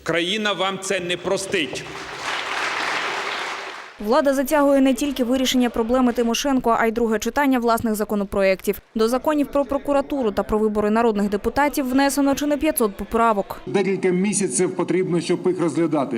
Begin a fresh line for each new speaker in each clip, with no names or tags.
Країна вам це не простить.
Влада затягує не тільки вирішення проблеми Тимошенко, а й друге читання власних законопроєктів. До законів про прокуратуру та про вибори народних депутатів внесено чи не 500 поправок.
Декілька місяців потрібно, щоб їх розглядати.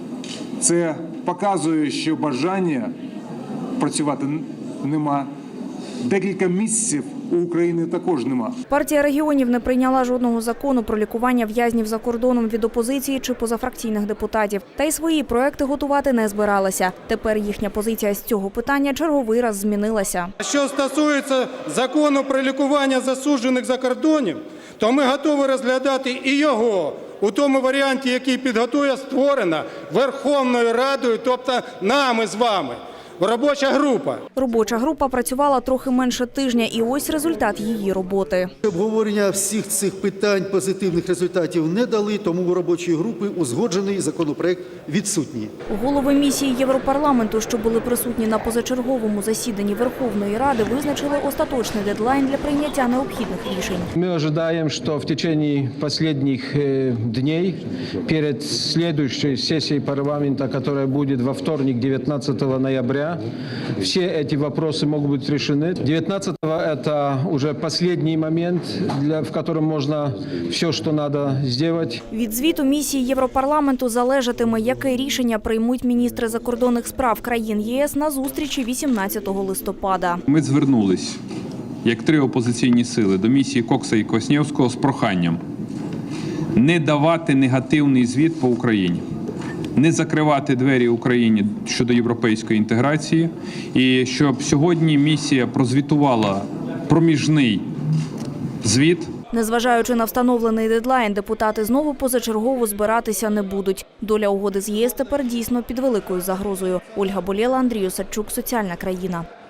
Це показує, що бажання працювати нема. Декілька місяців у України також нема.
Партія регіонів не прийняла жодного закону про лікування в'язнів за кордоном від опозиції чи позафракційних депутатів. Та й свої проекти готувати не збиралася. Тепер їхня позиція з цього питання черговий раз змінилася.
Що стосується закону про лікування засуджених за кордоном, то ми готові розглядати і його у тому варіанті, який підготує створена Верховною Радою, тобто нами з вами. Робоча група.
Робоча група працювала трохи менше тижня, і ось результат її роботи.
Обговорення всіх цих питань позитивних результатів не дали, тому у робочої групи узгоджений законопроект відсутній.
Голови місії Європарламенту, що були присутні на позачерговому засіданні Верховної Ради, визначили остаточний дедлайн для прийняття необхідних рішень.
Мы ожидаем, что в течение последних дней, перед следующей сессией парламента, которая будет во вторник, 19 ноября, все эти вопросы могут быть решены. 19-го это уже последний момент, в котором можно все, что надо сделать.
Від звіту місії Європарламенту залежатиме, яке рішення приймуть міністри закордонних справ країн ЄС на зустрічі 18 листопада.
Ми звернулись, як три опозиційні сили, до місії Кокса і Коснєвського з проханням не давати негативний звіт по Україні, не закривати двері Україні щодо європейської інтеграції, і щоб сьогодні місія прозвітувала проміжний звіт.
Незважаючи на встановлений дедлайн, депутати знову позачергово збиратися не будуть. Доля угоди з ЄС тепер дійсно під великою загрозою. Ольга Болєла, Андрій Осадчук, Соціальна країна.